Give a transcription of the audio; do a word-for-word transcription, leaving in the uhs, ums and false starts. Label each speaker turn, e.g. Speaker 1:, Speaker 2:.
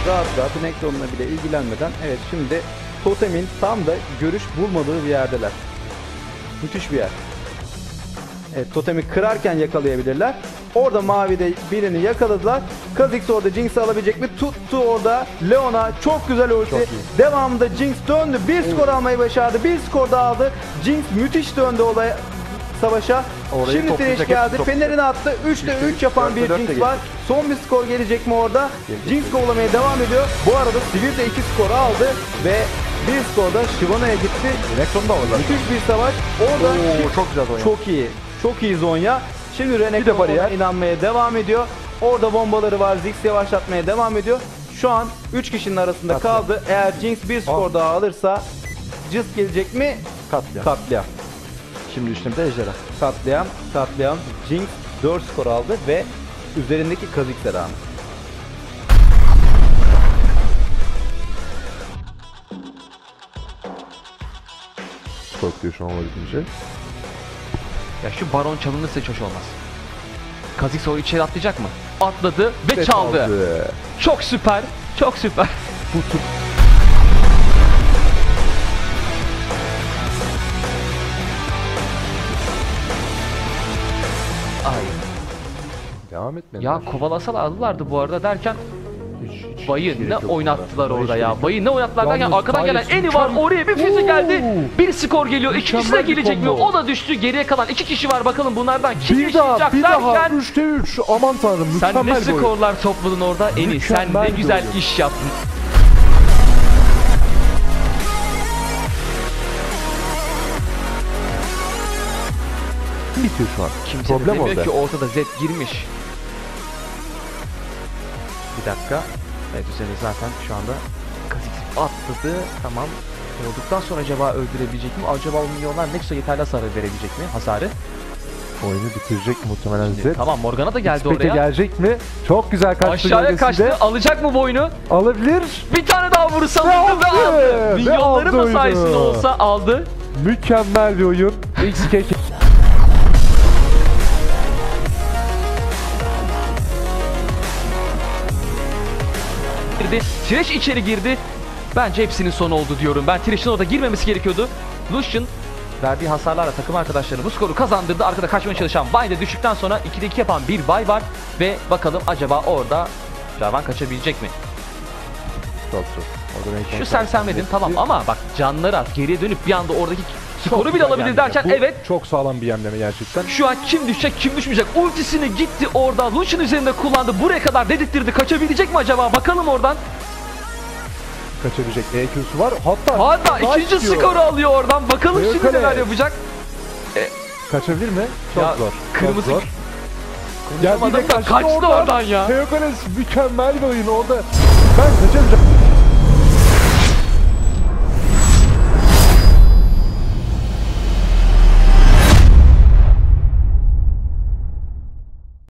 Speaker 1: rahat rahat Necron'la bile ilgilenmeden, evet şimdi totemin tam da görüş bulmadığı bir yerdeler. Müthiş bir yer. Evet, totemi kırarken yakalayabilirler. Orada mavide birini yakaladılar. Kha'Zix orada Jinx'i alabilecek mi? Tuttu orada Leon'a. Çok güzel ulti. Devamında Jinx döndü. Bir skor almayı başardı. Bir skor daha aldı. Jinx müthiş döndü olaya, savaşa.
Speaker 2: Orayı
Speaker 1: Şimdi Thresh geldi. Fener'ini attı. üçte üç yapan bir Jinx var. Son bir skor gelecek mi orada? Gelecek. Jinx kovalamaya devam ediyor. Bu arada Sivir de iki skor aldı ve bir skor da Shyvana'ya gitti.
Speaker 2: Necron'da orada.
Speaker 1: Müthiş bir savaş. Orada
Speaker 2: Oo, çok güzel Zonya.
Speaker 1: Çok iyi. Çok iyi Zonya. Şimdi Renekton'a inanmaya devam ediyor. Orada bombaları var. Ziggs yavaşlatmaya devam ediyor. Şu an üç kişinin arasında Katliam. kaldı. Eğer Jinx bir skor oh. daha alırsa Jizz gelecek mi?
Speaker 2: Katliam.
Speaker 1: Katliam.
Speaker 2: Şimdi üstümde Ejderha.
Speaker 1: Katliam. Katliam. Jinx dört skor aldı ve üzerindeki Kha'Zix'e rağmen.
Speaker 2: Korkuyor şu an olabildiğince.
Speaker 3: Ya şu baron çalınırsa hiç hoş olmaz. Kha'Zix o içeri atlayacak mı? Atladı ve, ve çaldı. çaldı. Çok süper. Çok süper. Ay.
Speaker 2: Devam etmedi.
Speaker 3: Ya kovalasalar aldılardı bu arada derken
Speaker 2: hiç,
Speaker 3: Bayı
Speaker 2: hiç
Speaker 3: ne oynattılar orada, orada ya. Bayı ne oynattılar
Speaker 2: derken
Speaker 3: arkadan gelen Eni var, oraya bir füze geldi. Bir skor geliyor. İkincisi de gelecek mi? O da düştü. Geriye kalan iki kişi var. Bakalım bunlardan kim
Speaker 2: bir
Speaker 3: yaşayacak
Speaker 2: daha, bir
Speaker 3: derken.
Speaker 2: Daha üçte üç. Aman tanrım.
Speaker 3: Sen ne skorlar topladın orada Eni. Sen ne güzel
Speaker 2: oyun.
Speaker 3: iş yaptın.
Speaker 2: Bitiyor şu an.
Speaker 3: Kimse
Speaker 2: Problem
Speaker 3: de demiyor
Speaker 2: orada.
Speaker 3: ki ortada Zed girmiş. Bir dakika. Evet, üzerine zaten şu anda Kha'Zix atladı. Tamam. Olduktan sonra acaba öldürebilecek mi? Acaba o milyonlar Nexus'a yeterli hasar verebilecek mi? Hasarı.
Speaker 2: Oyunu bitirecek muhtemelen
Speaker 3: Şimdi,
Speaker 2: Zed.
Speaker 3: tamam, Morgana da geldi
Speaker 2: X-Pek'e
Speaker 3: oraya.
Speaker 2: gelecek mi? Çok güzel kaçtı.
Speaker 3: Aşağıya kaçtı. Alacak mı boynu?
Speaker 2: Alabilir.
Speaker 3: Bir tane daha vurursa ve aldı. aldı. Milyonların da sayesinde olsa aldı.
Speaker 2: Mükemmel bir oyun. X K
Speaker 3: girdi. Thresh içeri girdi. Bence hepsinin sonu oldu diyorum. Ben Thresh'in orada girmemesi gerekiyordu. Lucian verdiği hasarlarla takım arkadaşlarını bu skoru kazandırdı. Arkada kaçmaya çalışan Vay de düştükten sonra ikide iki yapan bir Vay var. Ve bakalım acaba orada Jarvan kaçabilecek mi?
Speaker 2: Çok zor.
Speaker 3: Şu sersemledin tamam ama bak canları az. Geriye dönüp bir anda oradaki skoru bile alabilir derken
Speaker 2: bu
Speaker 3: evet.
Speaker 2: Çok sağlam bir yemleme gerçekten.
Speaker 3: Şu an kim düşecek kim düşmeyecek. Ultisini gitti orada. Lucian üzerinde kullandı. Buraya kadar dedirttirdi. Kaçabilecek mi acaba? Bakalım oradan.
Speaker 2: Kaçabilecek E Q'su var. Hatta
Speaker 3: Hatta ikinci istiyor. skoru alıyor oradan. Bakalım Büyük şimdi neler yapacak.
Speaker 2: E, Kaçabilir mi? Çok
Speaker 3: ya,
Speaker 2: zor.
Speaker 3: Kırmızı.
Speaker 2: Çok zor. Ya bir de kaçtı,
Speaker 3: kaçtı oradan, oradan ya.
Speaker 2: Teokanes mükemmel bir oyun orada. Ben kaçamayacağım.